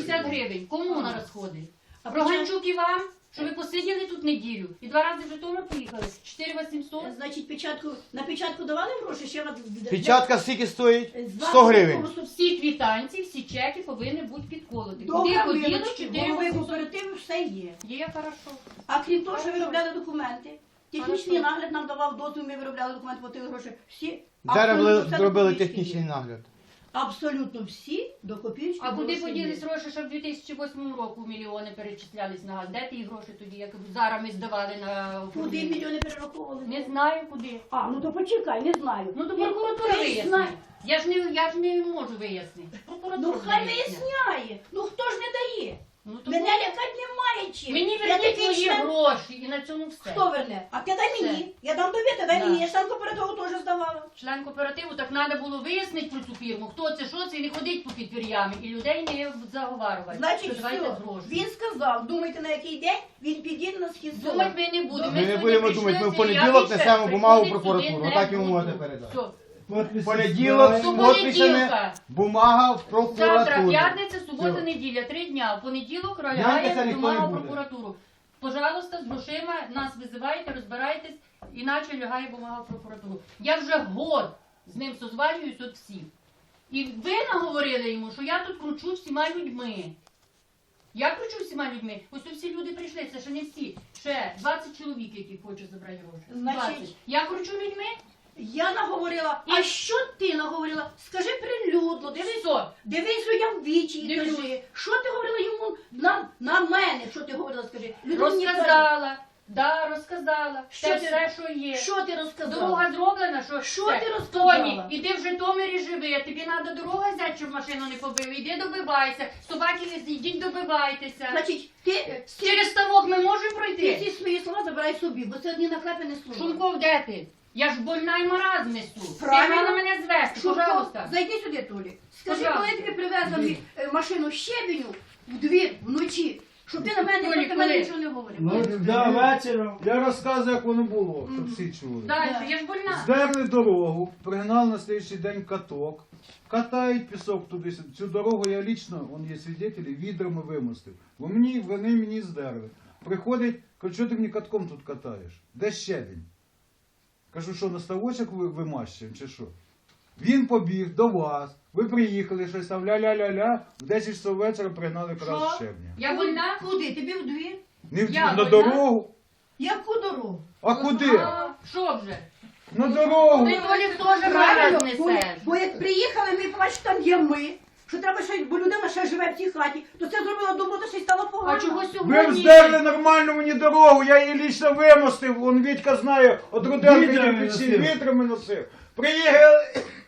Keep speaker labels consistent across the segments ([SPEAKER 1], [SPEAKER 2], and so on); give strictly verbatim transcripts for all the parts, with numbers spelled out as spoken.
[SPEAKER 1] вісімдесят гривень. Кому на розходи? А Проганчук і вам, що ви посиділи тут неділю і два рази в Житомир поїхали. чотири вісімсот.
[SPEAKER 2] Значить, печатку, на печатку давали гроші? Ще вас...
[SPEAKER 3] Печатка скільки стоїть?
[SPEAKER 2] З
[SPEAKER 3] сто гривень.
[SPEAKER 2] вас
[SPEAKER 1] Всі квитанції, всі чеки повинні бути підколоті. Куди
[SPEAKER 2] Добре,
[SPEAKER 1] ходіло
[SPEAKER 2] вибачте,
[SPEAKER 1] чотири
[SPEAKER 2] голови
[SPEAKER 1] вісімсот?
[SPEAKER 2] кооперативу все є.
[SPEAKER 1] Є, хорошо.
[SPEAKER 2] А крім того, що виробляли документи, технічний
[SPEAKER 1] Хорошо.
[SPEAKER 2] нагляд нам давав дозвіл, ми виробляли документи, платили гроші. Всі.
[SPEAKER 3] Зараз
[SPEAKER 2] абсолютно все
[SPEAKER 3] зробили
[SPEAKER 2] документики
[SPEAKER 3] технічний
[SPEAKER 2] є.
[SPEAKER 3] нагляд.
[SPEAKER 2] Абсолютно всі до копійки.
[SPEAKER 1] А куди
[SPEAKER 2] гроші
[SPEAKER 1] поділись
[SPEAKER 2] є.
[SPEAKER 1] гроші, що в дві тисячі восьмому року мільйони перечислялись на газ? Де ті гроші тоді, як зараз ми здавали на
[SPEAKER 2] Куди
[SPEAKER 1] управління?
[SPEAKER 2] мільйони перераховували?
[SPEAKER 1] Не знаю куди.
[SPEAKER 2] А, ну то почекай, не знаю.
[SPEAKER 1] Ну то
[SPEAKER 2] Я-
[SPEAKER 1] прокуратура
[SPEAKER 2] ти
[SPEAKER 1] виясни.
[SPEAKER 2] знай-
[SPEAKER 1] Я ж не я ж не можу вияснити. Прокуратура
[SPEAKER 2] Ну хай
[SPEAKER 1] виясне.
[SPEAKER 2] виясняє. Ну хто ж не дає?
[SPEAKER 1] Ну, то
[SPEAKER 2] Мене
[SPEAKER 1] буде.
[SPEAKER 2] лякати немає чим.
[SPEAKER 1] Мені
[SPEAKER 2] Я
[SPEAKER 1] верніть
[SPEAKER 2] такий
[SPEAKER 1] мої
[SPEAKER 2] член-
[SPEAKER 1] гроші і на цьому все.
[SPEAKER 2] Хто верне? А ти дай
[SPEAKER 1] Все.
[SPEAKER 2] мені. Я дам тобі, ти дай
[SPEAKER 1] Да.
[SPEAKER 2] мені. Я ж там кооперативу теж здавала.
[SPEAKER 1] Член кооперативу, так треба було вияснити про цю фірму, хто це, що це, і не ходить по підвір'ями, і людей не заговарювати.
[SPEAKER 2] Значить,
[SPEAKER 1] що давайте
[SPEAKER 2] все.
[SPEAKER 1] гроші.
[SPEAKER 2] Він сказав, думайте на який день, він підійде на схід села.
[SPEAKER 1] Думати ми не будемо.
[SPEAKER 3] Ми не
[SPEAKER 1] сьогодні
[SPEAKER 3] будемо
[SPEAKER 1] прийшли
[SPEAKER 3] думати, ми в
[SPEAKER 1] ці,
[SPEAKER 3] понеділок
[SPEAKER 1] я
[SPEAKER 3] несемо
[SPEAKER 1] більше
[SPEAKER 3] бумагу в
[SPEAKER 1] приходити
[SPEAKER 3] прокуратуру.
[SPEAKER 1] сюди
[SPEAKER 3] Так
[SPEAKER 1] не
[SPEAKER 3] йому можете
[SPEAKER 1] буду.
[SPEAKER 3] передати.
[SPEAKER 1] Все.
[SPEAKER 3] Понеділок,
[SPEAKER 1] Субота,
[SPEAKER 3] підписане,
[SPEAKER 1] неділка.
[SPEAKER 3] бумага в
[SPEAKER 1] Завтра
[SPEAKER 3] прокуратуру.
[SPEAKER 1] п'ятниця, субота,
[SPEAKER 3] Все.
[SPEAKER 1] неділя, три дня. В понеділок
[SPEAKER 3] Гляньте,
[SPEAKER 1] ролягає
[SPEAKER 3] це ніхто
[SPEAKER 1] бумага
[SPEAKER 3] не
[SPEAKER 1] в
[SPEAKER 3] буде.
[SPEAKER 1] прокуратуру. Пожалуйста, з грошима нас визивайте, розбирайтесь, іначе лягає бумага в прокуратуру. Я вже год з ним созванююсь от всіх. І ви наговорили йому, що я тут кручу всіма людьми. Я кручу всіма людьми. Ось тут всі люди прийшли, це ще не всі. Ще двадцять чоловік, які хочуть забрати гроші.
[SPEAKER 2] Значить,
[SPEAKER 1] двадцять. Я кручу людьми?
[SPEAKER 2] Я наговорила,
[SPEAKER 1] І-
[SPEAKER 2] а що ти наговорила? Скажи прилюдно, дивись,
[SPEAKER 1] Що?
[SPEAKER 2] дивись людям в вічі і
[SPEAKER 1] Дивлюсь.
[SPEAKER 2] кажи, що ти говорила йому на, на мене, що ти говорила, скажи. Людям не кажи.
[SPEAKER 1] Розказала. Да, розказала.
[SPEAKER 2] Що
[SPEAKER 1] Те
[SPEAKER 2] ти-
[SPEAKER 1] все, що є.
[SPEAKER 2] Що ти розказала?
[SPEAKER 1] Дорога зроблена, що
[SPEAKER 2] Що
[SPEAKER 1] все.
[SPEAKER 2] ти розказала?
[SPEAKER 1] Тоні, іди в Житомирі живи, тобі треба дорога взяти, щоб машину не побили. Іди добивайся, собаки не йдіть добивайтеся.
[SPEAKER 2] Значить, ти, ти,
[SPEAKER 1] Через ставок ми можемо
[SPEAKER 2] ти
[SPEAKER 1] пройти?
[SPEAKER 2] ці свої слова забирай собі, бо це одні наклепені слова.
[SPEAKER 1] Шумков, де ти? Я ж больна і маразм несу.
[SPEAKER 2] Правильно.
[SPEAKER 1] Ти мене мене звести,
[SPEAKER 2] Шурко,
[SPEAKER 1] пожалуйста.
[SPEAKER 2] зайди сюди, Толі. Скажи,
[SPEAKER 1] Пожалуйста.
[SPEAKER 2] коли тобі привезли е, машину щебеню в двір вночі, щоб ти на мене
[SPEAKER 1] Толі,
[SPEAKER 2] проти мене
[SPEAKER 1] коли?
[SPEAKER 2] нічого не говорив.
[SPEAKER 4] Ну, да, вечором. Я розказую, як воно було, щоб всі чули.
[SPEAKER 1] Дальше, я ж больна.
[SPEAKER 4] Здерли дорогу, пригнали на слідчий день каток, катають пісок туди. Цю дорогу я лічно, вон є свідетелі, відрами вимостив. Бо мені, вони мені здерли. Приходить, кажуть, що ти мені катком тут катаєш? Де щебінь? Кажу, що на ставочок ви вимащуємо, чи що? Він побіг до вас, ви приїхали, щось там ля-ля-ля-ля, в десять часов вечора пригнали якраз
[SPEAKER 2] Що?
[SPEAKER 4] щебня.
[SPEAKER 1] Я больна?
[SPEAKER 2] Куди? Тобі в двір?
[SPEAKER 4] Не в,
[SPEAKER 1] Я
[SPEAKER 4] на
[SPEAKER 1] больна?
[SPEAKER 4] дорогу.
[SPEAKER 2] Яку дорогу?
[SPEAKER 4] А куди?
[SPEAKER 1] А, Що вже?
[SPEAKER 4] На дорогу.
[SPEAKER 1] Ти, Толік, теж
[SPEAKER 2] Правильно,
[SPEAKER 1] мараз
[SPEAKER 2] бо,
[SPEAKER 1] несеш.
[SPEAKER 2] бо як приїхали, ми побачили, там є ми, що треба ще, бо людина ще живе в цій хаті, то це зробила добро, то ще й стало погано.
[SPEAKER 1] А чого
[SPEAKER 4] Ви
[SPEAKER 1] сьогодні?
[SPEAKER 4] вздерли нормально мені дорогу, я її лічно вимостив, он Вітька знає, от Руденко
[SPEAKER 5] Вітрами
[SPEAKER 4] кирпичі
[SPEAKER 5] носив.
[SPEAKER 4] вітрами носив. Приїхали,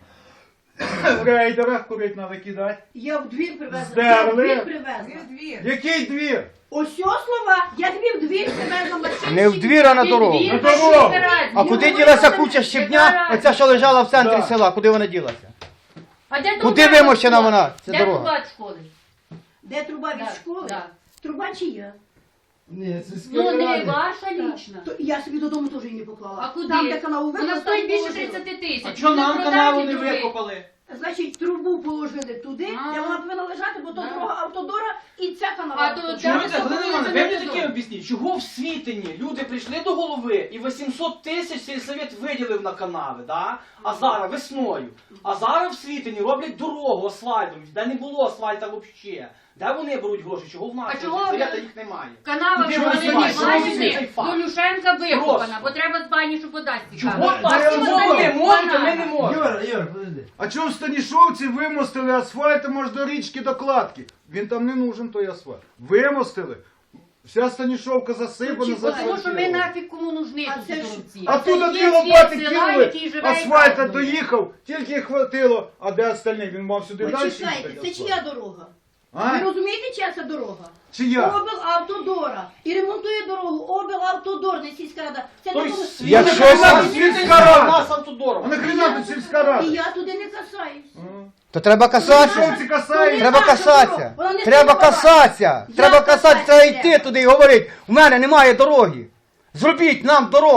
[SPEAKER 4] в рейдерах курить треба кидати.
[SPEAKER 2] Я в двір привезла.
[SPEAKER 4] Здерли.
[SPEAKER 2] Я в двір привезла.
[SPEAKER 4] Який двір?
[SPEAKER 2] Ось цього слова, я тобі в двір привезла машину.
[SPEAKER 3] Не в двір, а на
[SPEAKER 1] Ти
[SPEAKER 3] дорогу.
[SPEAKER 1] двір
[SPEAKER 4] На
[SPEAKER 1] пошли
[SPEAKER 4] дорогу.
[SPEAKER 1] збирати.
[SPEAKER 3] А
[SPEAKER 1] Ну,
[SPEAKER 3] куди
[SPEAKER 1] ну,
[SPEAKER 3] ділася
[SPEAKER 1] ну,
[SPEAKER 3] куча
[SPEAKER 1] ну,
[SPEAKER 3] щебня?
[SPEAKER 1] яка
[SPEAKER 3] Оця, що лежала в центрі
[SPEAKER 4] Да.
[SPEAKER 3] села, куди вона ділася?
[SPEAKER 1] А де
[SPEAKER 3] Куди
[SPEAKER 1] труба
[SPEAKER 3] вимощена
[SPEAKER 1] від школи?
[SPEAKER 3] вона, ця
[SPEAKER 1] Де
[SPEAKER 3] дорога?
[SPEAKER 1] труба від школи?
[SPEAKER 2] Де труба від
[SPEAKER 1] Да,
[SPEAKER 2] школи?
[SPEAKER 1] да.
[SPEAKER 2] Труба чия?
[SPEAKER 5] Ні, це з
[SPEAKER 1] Ну не
[SPEAKER 5] Кіровограда.
[SPEAKER 1] ваша лічна.
[SPEAKER 2] То я собі додому теж її не поклала.
[SPEAKER 1] А куди?
[SPEAKER 2] Там, де канал
[SPEAKER 1] Вона
[SPEAKER 2] викопали,
[SPEAKER 1] стоїть
[SPEAKER 2] там
[SPEAKER 1] більше
[SPEAKER 2] положила.
[SPEAKER 1] тридцяти тисяч.
[SPEAKER 6] А чого
[SPEAKER 1] Ну,
[SPEAKER 6] нам
[SPEAKER 1] продані
[SPEAKER 6] каналу не
[SPEAKER 1] труби.
[SPEAKER 6] викопали?
[SPEAKER 2] Значить, трубу положили туди,
[SPEAKER 1] А.
[SPEAKER 2] де вона повинна лежати, бо то
[SPEAKER 1] Да.
[SPEAKER 2] дорога автодора і ця канала.
[SPEAKER 1] А то
[SPEAKER 2] автодора.
[SPEAKER 1] Чому
[SPEAKER 6] Чому
[SPEAKER 1] це
[SPEAKER 6] це, Галина
[SPEAKER 1] було
[SPEAKER 6] Івановна,
[SPEAKER 1] це
[SPEAKER 6] ви мені
[SPEAKER 1] не
[SPEAKER 6] таке
[SPEAKER 1] зо-
[SPEAKER 6] об'ясніть, чого в Світині люди прийшли до голови і вісімсот тисяч сільсовет виділив на канави, да? А зараз весною. А зараз в Світині роблять дорогу асфальтом, де не було асфальта взагалі. Де вони беруть гроші? Чого в нас
[SPEAKER 1] А чого
[SPEAKER 6] сільсовета
[SPEAKER 1] ви-
[SPEAKER 6] їх немає?
[SPEAKER 1] Канава
[SPEAKER 6] Куди
[SPEAKER 1] в
[SPEAKER 6] ви
[SPEAKER 1] Галині
[SPEAKER 6] знімаєте?
[SPEAKER 1] Іванівні
[SPEAKER 6] Цей факт.
[SPEAKER 1] до Люшенка викопана,
[SPEAKER 6] Просто.
[SPEAKER 1] бо треба з бані, щоб вода
[SPEAKER 6] Чого
[SPEAKER 1] стікала.
[SPEAKER 6] так?
[SPEAKER 1] А
[SPEAKER 6] Чого
[SPEAKER 1] чого
[SPEAKER 6] ви
[SPEAKER 1] так?
[SPEAKER 6] можете, ми
[SPEAKER 1] Банана.
[SPEAKER 6] не можемо?
[SPEAKER 5] Юра, Юра, подожди.
[SPEAKER 4] А чого в Станішовці вимостили асфальтом аж до річки до кладки? Він там не нужен, той асфальт. Вимостили. Вся Станішовка засипана,
[SPEAKER 2] Ну, чекай,
[SPEAKER 1] Тому що ми
[SPEAKER 4] заасфальтована.
[SPEAKER 1] нафіг кому нужні
[SPEAKER 2] А
[SPEAKER 1] тут
[SPEAKER 2] це ж-
[SPEAKER 1] корупції.
[SPEAKER 4] А тут
[SPEAKER 1] Є
[SPEAKER 4] дві
[SPEAKER 1] світ
[SPEAKER 4] лопати
[SPEAKER 1] села, який
[SPEAKER 4] кинули,
[SPEAKER 1] живе і
[SPEAKER 4] асфальта
[SPEAKER 1] празднує.
[SPEAKER 4] доїхав, тільки хватило, а де остальні? Він мав сюди далі
[SPEAKER 2] Почекайте,
[SPEAKER 4] їхати
[SPEAKER 2] це чия дорога? Ви
[SPEAKER 4] А?
[SPEAKER 2] розумієте, чия це дорога?
[SPEAKER 4] Чия?
[SPEAKER 2] Облавтодора. І ремонтує дорогу облавтодор, не сільська рада. Це не
[SPEAKER 6] Тобто
[SPEAKER 2] тому-
[SPEAKER 6] Світин
[SPEAKER 3] Якщо
[SPEAKER 6] у нас
[SPEAKER 3] сам-
[SPEAKER 6] сільська рада, у нас автодором.
[SPEAKER 4] А нахрена тут сільська
[SPEAKER 2] І
[SPEAKER 4] рада?
[SPEAKER 2] я туди не касаюсь.
[SPEAKER 3] То треба касатися.
[SPEAKER 4] Станішовці касають.
[SPEAKER 3] Треба
[SPEAKER 2] наша
[SPEAKER 3] касатися.
[SPEAKER 2] дорога. Вона не
[SPEAKER 3] Треба
[SPEAKER 2] співала.
[SPEAKER 3] касатися.
[SPEAKER 2] Я
[SPEAKER 3] Треба касатися, треба
[SPEAKER 2] касатися
[SPEAKER 3] йти
[SPEAKER 2] треба.
[SPEAKER 3] туди і говорити, у мене немає дороги. Зробіть нам дорогу.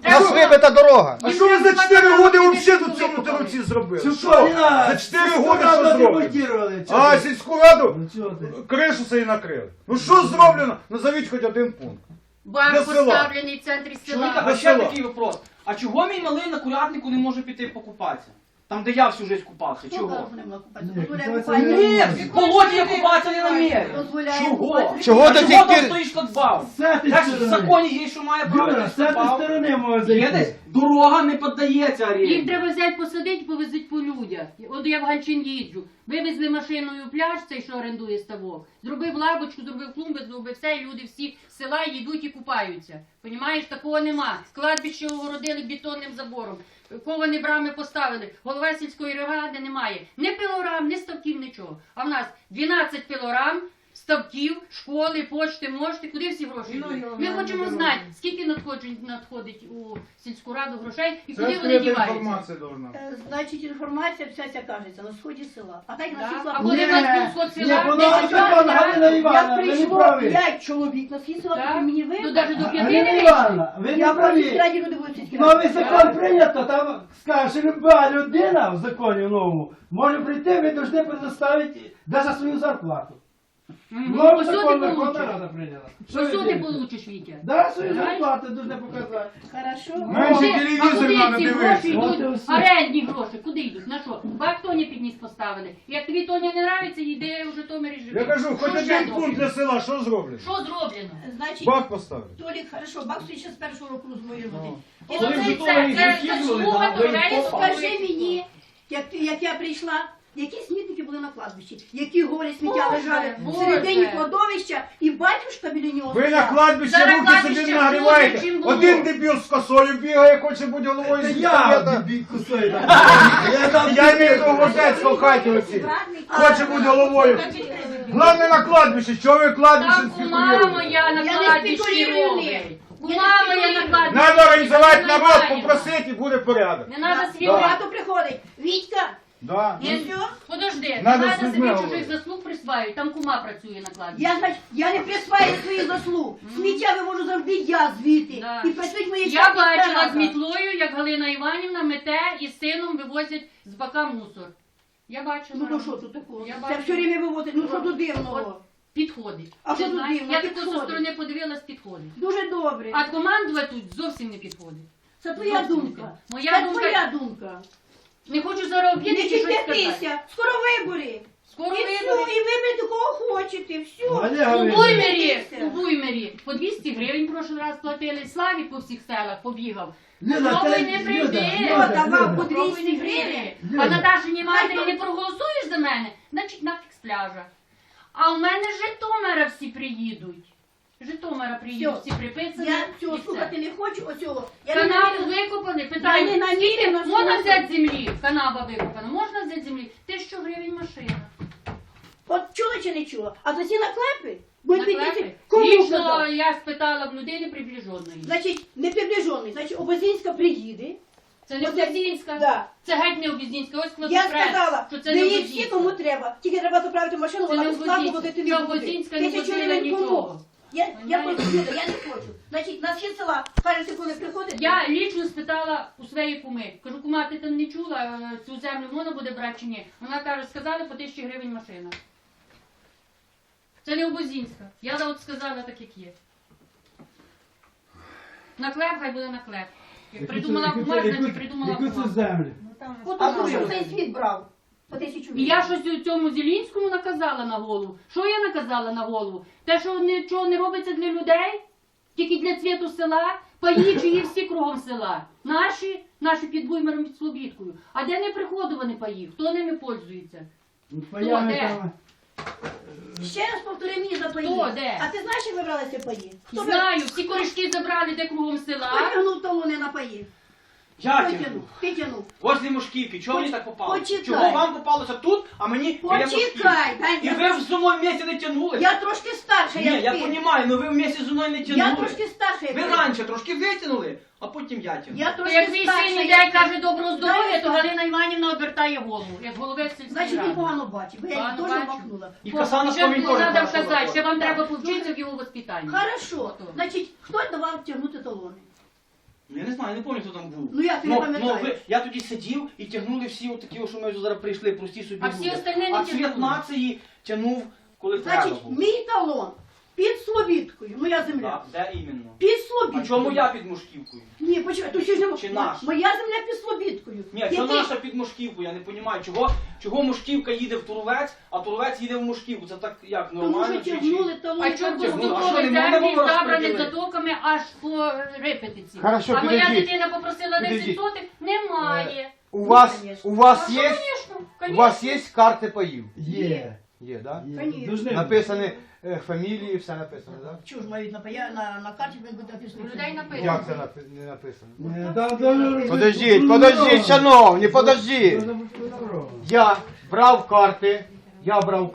[SPEAKER 3] У нас вибита дорога.
[SPEAKER 4] А що ви за чотири роки взагалі тут цьому Теруці зробили?
[SPEAKER 5] Цю
[SPEAKER 4] Що?
[SPEAKER 5] що,
[SPEAKER 4] За чотири роки що зроблено?
[SPEAKER 5] демонтували.
[SPEAKER 4] А сільську раду
[SPEAKER 5] Ну чого ти?
[SPEAKER 4] кришу собі накрили. Ну що зроблено? Назовіть хоч один пункт.
[SPEAKER 1] Банк
[SPEAKER 4] Для села.
[SPEAKER 1] поставлений в центрі
[SPEAKER 6] Чоловіка,
[SPEAKER 1] села.
[SPEAKER 6] а ще
[SPEAKER 4] Весело.
[SPEAKER 6] такий вопрос. А чого мій малий на курятнику не може піти покупатися? Там, де я всю життя купався.
[SPEAKER 2] Хто
[SPEAKER 6] Чого?
[SPEAKER 2] каже, що не можна купатися?
[SPEAKER 5] Ні,
[SPEAKER 2] Дозволяє
[SPEAKER 5] купатися
[SPEAKER 2] купатися.
[SPEAKER 5] не
[SPEAKER 6] Ні, в болоті я купатися не намірю.
[SPEAKER 2] Дозволяє
[SPEAKER 6] Чого?
[SPEAKER 2] купатися.
[SPEAKER 3] Чого
[SPEAKER 6] А
[SPEAKER 3] до
[SPEAKER 6] чого
[SPEAKER 3] сих
[SPEAKER 6] там
[SPEAKER 3] пір?
[SPEAKER 6] стоїть шлагбаум?
[SPEAKER 5] З цієї
[SPEAKER 6] Як в
[SPEAKER 5] сторони.
[SPEAKER 6] законі є, що має право
[SPEAKER 5] Юра,
[SPEAKER 6] на
[SPEAKER 5] з цієї
[SPEAKER 6] шлагбаум?
[SPEAKER 5] сторони може
[SPEAKER 6] Є
[SPEAKER 5] зайти.
[SPEAKER 6] десь дорога не піддається
[SPEAKER 1] Їх
[SPEAKER 6] арені.
[SPEAKER 1] треба взяти, посадити, повезуть по людях. От я в Гальчин їжджу. Вивезли машиною пляж, цей, що орендує ставок. Зробив лавочку, зробив клумби, зробив все, і люди всі з села їдуть і купаються. Понімаєш, такого нема. Кладбище огородили бетонним забором. Ковані брами поставили. Голова сільської ради немає. Ні пилорам, ні ставків, нічого. А в нас дванадцять пилорам, ставків, школи, почти, можете. Куди всі гроші
[SPEAKER 2] Ну,
[SPEAKER 1] йдуть?
[SPEAKER 2] йо,
[SPEAKER 1] Ми
[SPEAKER 2] ну,
[SPEAKER 1] хочемо
[SPEAKER 2] ну,
[SPEAKER 1] знати, скільки надходить, надходить у сільську раду грошей і
[SPEAKER 4] Це
[SPEAKER 1] куди вони
[SPEAKER 4] відкрита
[SPEAKER 1] діваються.
[SPEAKER 4] інформація должна.
[SPEAKER 2] Е, Значить, інформація вся ця кажеться на сході села. А так на
[SPEAKER 1] Да.
[SPEAKER 2] всіх
[SPEAKER 1] А
[SPEAKER 2] слабах.
[SPEAKER 1] коли в нас був сход
[SPEAKER 5] Ні,
[SPEAKER 1] села,
[SPEAKER 5] воно
[SPEAKER 1] десять
[SPEAKER 5] закон
[SPEAKER 1] років,
[SPEAKER 5] Галина
[SPEAKER 1] так?
[SPEAKER 5] Івановна,
[SPEAKER 2] Як
[SPEAKER 5] ви не
[SPEAKER 2] прийшло
[SPEAKER 5] праві.
[SPEAKER 2] п'ять чоловік на схід села,
[SPEAKER 1] Так.
[SPEAKER 2] то мені
[SPEAKER 1] Ну,
[SPEAKER 2] вибрали.
[SPEAKER 1] навіть до п'яти
[SPEAKER 5] Галина
[SPEAKER 1] не
[SPEAKER 5] Івановна, ви
[SPEAKER 2] Я
[SPEAKER 5] не
[SPEAKER 2] про
[SPEAKER 5] праві.
[SPEAKER 2] сільськраді люди будуть сільські
[SPEAKER 5] Новий
[SPEAKER 2] раді.
[SPEAKER 5] закон прийнято, там скаже, що люба людина в законі новому може прийти, ви повинні предоставити навіть свою зарплату. Новий
[SPEAKER 1] Ось
[SPEAKER 5] закон
[SPEAKER 1] ти
[SPEAKER 5] Верховна
[SPEAKER 1] получиш.
[SPEAKER 5] Рада прийняла.
[SPEAKER 1] Що ти
[SPEAKER 5] робите?
[SPEAKER 1] получиш, Вітя?
[SPEAKER 5] Да, свою
[SPEAKER 1] Знаєш?
[SPEAKER 5] зарплату повинні показати.
[SPEAKER 2] Хорошо.
[SPEAKER 4] Менше
[SPEAKER 1] Куди-
[SPEAKER 4] телевізор
[SPEAKER 1] а куди
[SPEAKER 4] надо
[SPEAKER 1] ці
[SPEAKER 4] дивитися.
[SPEAKER 1] гроші
[SPEAKER 5] От і
[SPEAKER 1] йдуть?
[SPEAKER 5] все.
[SPEAKER 1] Орендні гроші, куди йдуть? На що? Бак Тоні підніс поставили. Як тобі Тоня не нравиться, йди в Житомирі живи.
[SPEAKER 4] Я кажу, хоч
[SPEAKER 1] Що ще
[SPEAKER 4] один пункт для
[SPEAKER 1] зроблено?
[SPEAKER 4] села, що зроблено?
[SPEAKER 1] Що зроблено?
[SPEAKER 2] Значить,
[SPEAKER 4] Бак поставили.
[SPEAKER 2] Толік, хорошо, бак стоїть ще з першого року з моєї роботи. І
[SPEAKER 6] Коли
[SPEAKER 2] оце-
[SPEAKER 6] в
[SPEAKER 1] Це,
[SPEAKER 6] Житомирі
[SPEAKER 1] це,
[SPEAKER 6] гірки
[SPEAKER 1] це
[SPEAKER 6] були,
[SPEAKER 1] слуга
[SPEAKER 6] да, ви
[SPEAKER 1] Торелі
[SPEAKER 6] попали.
[SPEAKER 2] Скажи мені, як, як я прийшла, які смітники були на кладбищі, які горі сміття
[SPEAKER 1] Боже,
[SPEAKER 2] лежали
[SPEAKER 1] Боже.
[SPEAKER 2] всередині кладовища, і батюшка біля нього.
[SPEAKER 4] Ви на
[SPEAKER 2] стояв.
[SPEAKER 4] кладбищі
[SPEAKER 1] Зараз
[SPEAKER 4] руки
[SPEAKER 1] кладбище
[SPEAKER 4] собі
[SPEAKER 1] хуже,
[SPEAKER 4] нагріваєте.
[SPEAKER 1] чим було.
[SPEAKER 4] Один дебіл з косою бігає, хоче бути головою
[SPEAKER 5] Це
[SPEAKER 4] сільсовета.
[SPEAKER 5] я дебіль кусаю. Я там
[SPEAKER 4] Я маю того гвоздецького хаті оці.
[SPEAKER 2] А,
[SPEAKER 4] Хоче бути головою. Главне на кладбищі, що ви кладбище
[SPEAKER 1] Там кума
[SPEAKER 4] спекулюєте?
[SPEAKER 1] моя на
[SPEAKER 2] Я не
[SPEAKER 1] кладбищі
[SPEAKER 2] спекулюю
[SPEAKER 1] робить.
[SPEAKER 2] ним.
[SPEAKER 1] Кума
[SPEAKER 2] Я не
[SPEAKER 1] моя на
[SPEAKER 2] спекулюю.
[SPEAKER 1] кладбищі.
[SPEAKER 4] Надо організувати
[SPEAKER 1] Ми
[SPEAKER 4] народ,
[SPEAKER 1] знаємо.
[SPEAKER 4] попросити і буде порядок.
[SPEAKER 1] Не треба свій
[SPEAKER 2] Да.
[SPEAKER 1] брат.
[SPEAKER 2] Багато приходить. Вітька,
[SPEAKER 4] Да.
[SPEAKER 2] і все.
[SPEAKER 1] Подожди, не
[SPEAKER 4] Надо
[SPEAKER 1] треба
[SPEAKER 4] з
[SPEAKER 1] собі
[SPEAKER 4] людьми
[SPEAKER 1] чужих
[SPEAKER 4] говорити.
[SPEAKER 1] заслуг присваювати, там кума працює на кладбищі.
[SPEAKER 2] Я, значить, я не присваю своїх заслуг. Сміття вивожу завжди я звідти.
[SPEAKER 1] Да.
[SPEAKER 2] І працюють мої
[SPEAKER 1] Я
[SPEAKER 2] часні
[SPEAKER 1] бачила
[SPEAKER 2] старата.
[SPEAKER 1] з мітлою, як Галина Іванівна мете і з сином вивозять з бака мусор. Я бачила.
[SPEAKER 2] Ну то що тут такого?
[SPEAKER 1] Я
[SPEAKER 2] Це
[SPEAKER 1] бачу.
[SPEAKER 2] все время виводить. Ну що тут дивного?
[SPEAKER 1] От підходить.
[SPEAKER 2] А
[SPEAKER 1] Ти
[SPEAKER 2] що тут
[SPEAKER 1] знаєш,
[SPEAKER 2] дивно?
[SPEAKER 1] я тако зі
[SPEAKER 2] Підходить.
[SPEAKER 1] сторони подивилась, підходить.
[SPEAKER 2] Дуже добре.
[SPEAKER 1] А командувати тут зовсім не підходить.
[SPEAKER 2] Це твоя
[SPEAKER 1] зовсім
[SPEAKER 2] думка.
[SPEAKER 1] не. Моя
[SPEAKER 2] Це
[SPEAKER 1] думка-
[SPEAKER 2] твоя думка.
[SPEAKER 1] Не хочу зараз
[SPEAKER 2] Не
[SPEAKER 1] об'єднати щось сказати.
[SPEAKER 2] кипятися. Скоро вибори.
[SPEAKER 1] Скоро
[SPEAKER 2] І все,
[SPEAKER 1] вибори.
[SPEAKER 2] і виберете кого хочете. Все.
[SPEAKER 5] Валя,
[SPEAKER 1] У
[SPEAKER 5] Галина.
[SPEAKER 1] Буймері, у Буймері по двісті гривень прошлий раз платили. Славік по всіх селах побігав.
[SPEAKER 5] Люда,
[SPEAKER 1] Попробуй
[SPEAKER 5] це-
[SPEAKER 1] не
[SPEAKER 5] Люда,
[SPEAKER 1] прийди.
[SPEAKER 5] Люда,
[SPEAKER 2] Хто давав по
[SPEAKER 5] Люда.
[SPEAKER 1] Попробуй не
[SPEAKER 2] двісті
[SPEAKER 1] прийди.
[SPEAKER 2] гривень?
[SPEAKER 1] А
[SPEAKER 5] Люда.
[SPEAKER 1] Наташині матері
[SPEAKER 2] Хай
[SPEAKER 1] не проголосуєш за мене, значить нафіг з пляжа. А у мене з Житомира всі приїдуть. З Житомира приїдуть,
[SPEAKER 2] Всьо.
[SPEAKER 1] всі приписані.
[SPEAKER 2] Я
[SPEAKER 1] і
[SPEAKER 2] цього
[SPEAKER 1] все.
[SPEAKER 2] слухати не хочу, оцього. Я не
[SPEAKER 1] Канаву
[SPEAKER 2] намірена.
[SPEAKER 1] викопали,
[SPEAKER 2] Я не
[SPEAKER 1] питаю, скільки
[SPEAKER 2] намірена
[SPEAKER 1] можна
[SPEAKER 2] слухати.
[SPEAKER 1] взяти землі? Канава викопана, можна взяти землі? Тисячу гривень машина.
[SPEAKER 2] От чула чи не чула? А за ці наклепи будуть
[SPEAKER 1] Наклепи?
[SPEAKER 2] підійти. Кому
[SPEAKER 1] Лічно
[SPEAKER 2] казав?
[SPEAKER 1] я спитала в людини приближеної.
[SPEAKER 2] Значить, не приближений. Значить, Обозінська приїде.
[SPEAKER 1] Це не
[SPEAKER 2] Оце-
[SPEAKER 1] Обозінська.
[SPEAKER 2] Да.
[SPEAKER 1] Це геть не Обозінська. Ось
[SPEAKER 2] Я
[SPEAKER 1] кладопрес,
[SPEAKER 2] сказала,
[SPEAKER 1] що це не
[SPEAKER 2] беріть всі,
[SPEAKER 1] Обозінська.
[SPEAKER 2] кому треба. Тільки треба заправити машину,
[SPEAKER 1] Це
[SPEAKER 2] вона
[SPEAKER 1] не
[SPEAKER 2] безплатно
[SPEAKER 1] Обозінська.
[SPEAKER 2] водити
[SPEAKER 1] Це
[SPEAKER 2] не буде.
[SPEAKER 1] Обозінська не
[SPEAKER 2] Тисячу
[SPEAKER 1] возила
[SPEAKER 2] гривень кому?
[SPEAKER 1] нічого.
[SPEAKER 2] Я, я
[SPEAKER 1] Вона
[SPEAKER 2] просто
[SPEAKER 1] не-
[SPEAKER 2] Люда, я не хочу. Значить, на схід села, кажете, коли приходить.
[SPEAKER 1] Я лічно спитала у своєї куми. Кажу, кума, ти там не чула, е, цю землю можна буде брати чи ні? Вона каже, сказали по тисячі гривень машина. Це не Обозінська. Я от сказала так, як є. Наклеп, хай буде наклеп. Як придумала
[SPEAKER 5] Яку це-
[SPEAKER 1] кума,
[SPEAKER 5] яку-
[SPEAKER 1] значить придумала
[SPEAKER 5] яку це
[SPEAKER 1] кума.
[SPEAKER 5] землю?
[SPEAKER 2] От
[SPEAKER 6] А
[SPEAKER 2] тому,
[SPEAKER 6] ну,
[SPEAKER 2] що
[SPEAKER 6] я-
[SPEAKER 2] цей світ брав. По тисячу
[SPEAKER 1] І
[SPEAKER 2] гривень.
[SPEAKER 1] я щось у цьому Зілінському наказала на голову. Що я наказала на голову? Те, що нічого не робиться для людей, тільки для цвіту села, паї чиї всі кругом села. Наші, наші під Буймером, під Слобідкою. А де не приходовані паї? Хто ними пользується?
[SPEAKER 5] Ну, паями
[SPEAKER 1] де?
[SPEAKER 5] там.
[SPEAKER 2] Ще раз повтори мені за паї.
[SPEAKER 1] Хто, де?
[SPEAKER 2] А ти знаєш, як вибрали ці паї? Хто ви-
[SPEAKER 1] Знаю, всі корішки забрали де кругом
[SPEAKER 2] Хто
[SPEAKER 1] села.
[SPEAKER 2] тягнув талони на паї?
[SPEAKER 6] Я
[SPEAKER 2] Хто
[SPEAKER 6] тягну.
[SPEAKER 2] тягнув? Ти тягнув.
[SPEAKER 6] Возле Мошківки. Чого мені так попало?
[SPEAKER 2] Почекай.
[SPEAKER 6] Чого вам попалося тут, а мені біля Мошківки?
[SPEAKER 2] Почекай, дай
[SPEAKER 6] І
[SPEAKER 2] я-
[SPEAKER 6] ви в зі мною вместе не тягнули?
[SPEAKER 2] Я трошки старша,
[SPEAKER 6] Ні,
[SPEAKER 2] як
[SPEAKER 6] я
[SPEAKER 2] ти.
[SPEAKER 6] розумію, але ви вместе зі мною не тягнули.
[SPEAKER 2] Я трошки старша, як
[SPEAKER 6] Ви
[SPEAKER 2] ти.
[SPEAKER 6] раніше трошки витягнули, а потім я тягну.
[SPEAKER 2] Я
[SPEAKER 1] То
[SPEAKER 2] трошки
[SPEAKER 1] як мій
[SPEAKER 2] старша,
[SPEAKER 1] син
[SPEAKER 2] як
[SPEAKER 1] іде і
[SPEAKER 2] ти.
[SPEAKER 1] каже доброго здоров'я, то
[SPEAKER 2] Знаєш,
[SPEAKER 1] Галина Іванівна обертає голову, як голови сільської
[SPEAKER 2] Значить, він
[SPEAKER 1] ради.
[SPEAKER 2] погано бачить, бо я
[SPEAKER 1] Погано
[SPEAKER 2] їх теж
[SPEAKER 1] бачу.
[SPEAKER 2] махнула.
[SPEAKER 6] І коса на
[SPEAKER 1] Ще
[SPEAKER 6] спомінь теж
[SPEAKER 1] треба
[SPEAKER 6] хорошо
[SPEAKER 1] вказати,
[SPEAKER 6] заходить.
[SPEAKER 1] ще вам треба
[SPEAKER 2] Так.
[SPEAKER 1] повчитися в його воспитанні.
[SPEAKER 2] Хорошо.
[SPEAKER 1] Ото.
[SPEAKER 2] Значить, хто давав тягнути талони?
[SPEAKER 6] Ну, я не знаю, я не пам'ятаю, хто там був.
[SPEAKER 2] Ну, як ти не
[SPEAKER 6] Но-
[SPEAKER 2] пам'ятаєш?
[SPEAKER 6] но ви- я тоді сидів і тягнули всі отакі, що ми зараз прийшли, прості собі
[SPEAKER 1] А всі
[SPEAKER 6] люди.
[SPEAKER 1] остальні не
[SPEAKER 6] А цвіт
[SPEAKER 1] тягнули.
[SPEAKER 6] нації тягнув, коли треба
[SPEAKER 2] Значить,
[SPEAKER 6] було.
[SPEAKER 2] мій талон під Слобідкою, моя земля.
[SPEAKER 6] Да, де іменно?
[SPEAKER 2] Під
[SPEAKER 6] А
[SPEAKER 2] Слобідкою.
[SPEAKER 6] чому я під Мушківкою?
[SPEAKER 2] Ні, почекай, то ще ж не
[SPEAKER 6] Чи наша?
[SPEAKER 2] моя земля під Слобідкою.
[SPEAKER 6] Ні, що
[SPEAKER 2] Який-
[SPEAKER 6] наша під Мушківкою, я не розумію. Чого, чого Мушківка їде в Туровець, а Туровець їде в Мушківку? Це так як,
[SPEAKER 2] Тому
[SPEAKER 6] нормально?
[SPEAKER 2] що
[SPEAKER 6] чи-
[SPEAKER 2] тягнули
[SPEAKER 6] чи-
[SPEAKER 2] талон.
[SPEAKER 1] А чому
[SPEAKER 2] там
[SPEAKER 6] тягнули?
[SPEAKER 2] було?
[SPEAKER 6] А що,
[SPEAKER 1] поступові
[SPEAKER 6] не можна
[SPEAKER 1] землі
[SPEAKER 6] було
[SPEAKER 1] забрані
[SPEAKER 6] розподілити?
[SPEAKER 1] затоками аж по репетиції?
[SPEAKER 3] Хорошо,
[SPEAKER 1] а моя
[SPEAKER 3] підождіть.
[SPEAKER 1] дитина попросила десять
[SPEAKER 3] Підождіть.
[SPEAKER 1] сотих? Немає.
[SPEAKER 3] У вас,
[SPEAKER 2] конечно.
[SPEAKER 3] у вас
[SPEAKER 1] А
[SPEAKER 3] є,
[SPEAKER 1] що, конечно,
[SPEAKER 3] у вас є карти паїв?
[SPEAKER 5] Є.
[SPEAKER 3] Є, да?
[SPEAKER 5] Є.
[SPEAKER 2] Конечно.
[SPEAKER 5] Должны бути.
[SPEAKER 3] Написані е, фамілії, все написано, да?
[SPEAKER 2] Чуж мають на, пая- на, на карті він буде написано.
[SPEAKER 1] У людей написано.
[SPEAKER 3] Як це напи- не написано?
[SPEAKER 5] Е, да, да,
[SPEAKER 3] Подождіть,
[SPEAKER 5] да,
[SPEAKER 3] подождіть,
[SPEAKER 5] да.
[SPEAKER 3] шановні, подождіть.
[SPEAKER 5] Должно бути добро.
[SPEAKER 3] Я брав карти, я брав